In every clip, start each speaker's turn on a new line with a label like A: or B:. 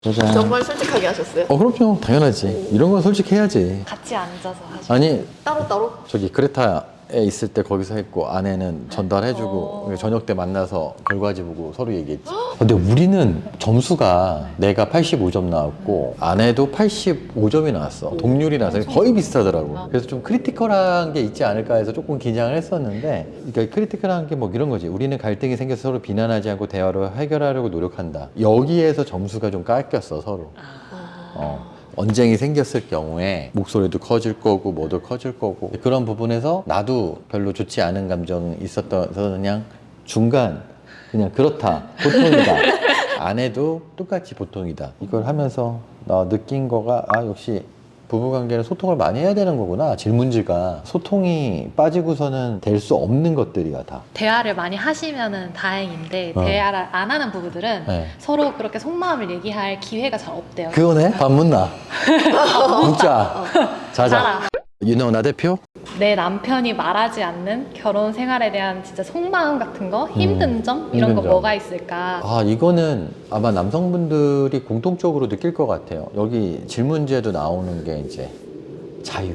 A: 짜잔.
B: 정말 솔직하게 하셨어요?
A: 그럼요. 당연하지. 이런 건 솔직해야지.
C: 같이 앉아서 하시고.
A: 아니,
B: 따로따로?
A: 저기 크레타에 있을 때 거기서 했고 아내는 전달해주고 저녁 때 만나서 결과지 보고 서로 얘기했지. 근데 우리는 점수가 내가 85점 나왔고 아내도 85점이 나왔어. 동률이 나서 거의 비슷하더라고. 그래서 좀 크리티컬한 게 있지 않을까 해서 조금 긴장을 했었는데, 그러니까 크리티컬한 게 뭐 이런 거지. 우리는 갈등이 생겨서 서로 비난하지 않고 대화로 해결하려고 노력한다. 여기에서 점수가 좀 깎였어, 서로. 언쟁이 생겼을 경우에 목소리도 커질 거고 뭐도 커질 거고 그런 부분에서 나도 별로 좋지 않은 감정이 있었던 그냥 중간 그냥 그렇다 보통이다 아내도 똑같이 보통이다 이걸 하면서 나 느낀 거가 역시 부부관계는 소통을 많이 해야 되는 거구나. 질문지가 소통이 빠지고서는 될 수 없는 것들이야 다.
C: 대화를 많이 하시면은 다행인데 대화를 안 하는 부부들은
A: 네.
C: 서로 그렇게 속마음을 얘기할 기회가 잘 없대요.
A: 그거네? 밥 묻나? 묻자. 자자.
C: 자라.
A: 윤호 대표?
C: 내 남편이 말하지 않는 결혼 생활에 대한 진짜 속마음 같은 거, 힘든 점 이런
A: 힘든
C: 거
A: 점.
C: 뭐가 있을까?
A: 이거는 아마 남성분들이 공통적으로 느낄 것 같아요. 여기 질문지에도 나오는 게 이제 자유.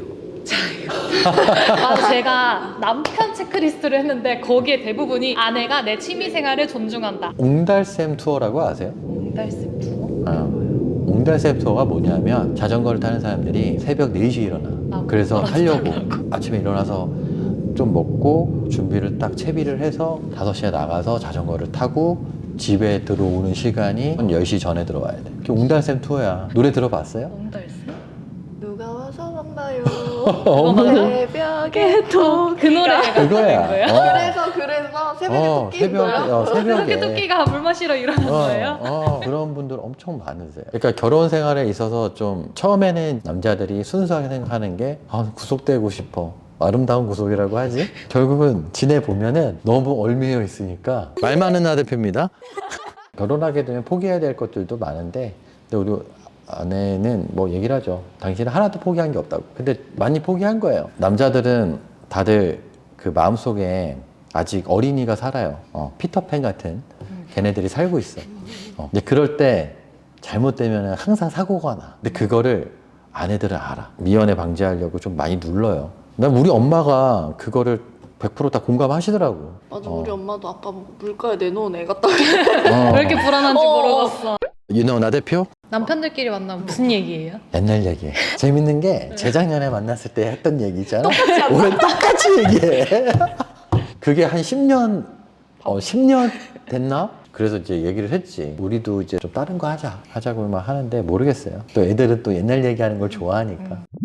C: 맞아, 제가 남편 체크리스트를 했는데 거기에 대부분이 아내가 내 취미 생활을 존중한다.
A: 옹달샘 투어라고 아세요?
C: 옹달샘 부모?
A: 옹달샘 투어가 뭐냐면 자전거를 타는 사람들이 새벽 4시에 일어나. 그래서 하려고 아침에 일어나서 좀 먹고 준비를 딱 채비를 해서 5시에 나가서 자전거를 타고 집에 들어오는 시간이 한 10시 전에 들어와야 돼. 그게 옹달샘 투어야. 노래 들어봤어요?
C: 옹달샘?
B: 누가 와서 만나요?
A: 어머나.
B: 새벽에
C: 그 노래가
A: 그거야.
C: 거예요?
B: 그래서 새벽에 토끼 있어요?
A: 새벽에
C: 토끼가 물 마시러 일어난 거예요?
A: 그런 분들 엄청 많으세요. 그러니까 결혼 생활에 있어서 좀 처음에는 남자들이 순수하게 생각하는 게 구속되고 싶어. 아름다운 구속이라고 하지? 결국은 지내보면은 너무 얽매여 있으니까. 말 많은 나 대표입니다. 결혼하게 되면 포기해야 될 것들도 많은데, 근데 우리 아내는 뭐 얘기를 하죠. 당신은 하나도 포기한 게 없다고. 근데 많이 포기한 거예요. 남자들은 다들 그 마음속에 아직 어린이가 살아요. 피터팬 같은 걔네들이 살고 있어. 근데 그럴 때 잘못되면 항상 사고가 나. 근데 그거를 아내들은 알아. 미연에 방지하려고 좀 많이 눌러요. 난 우리 엄마가 그거를 100% 다 공감하시더라고.
B: 맞아, 우리 엄마도 아빠 물가에 내놓은 애 같다.
C: 왜 이렇게 불안한지 모르겠어.
A: 윤호 나 대표?
C: 남편들끼리 만나면 무슨 얘기예요?
A: 옛날 얘기해. 재밌는 게 재작년에 만났을 때 했던 얘기 있잖아. 올해 똑같이 얘기해. 그게 한 10년, 10년 됐나? 그래서 이제 얘기를 했지. 우리도 이제 좀 다른 거 하자고 막 하는데 모르겠어요. 또 애들은 또 옛날 얘기하는 걸 좋아하니까.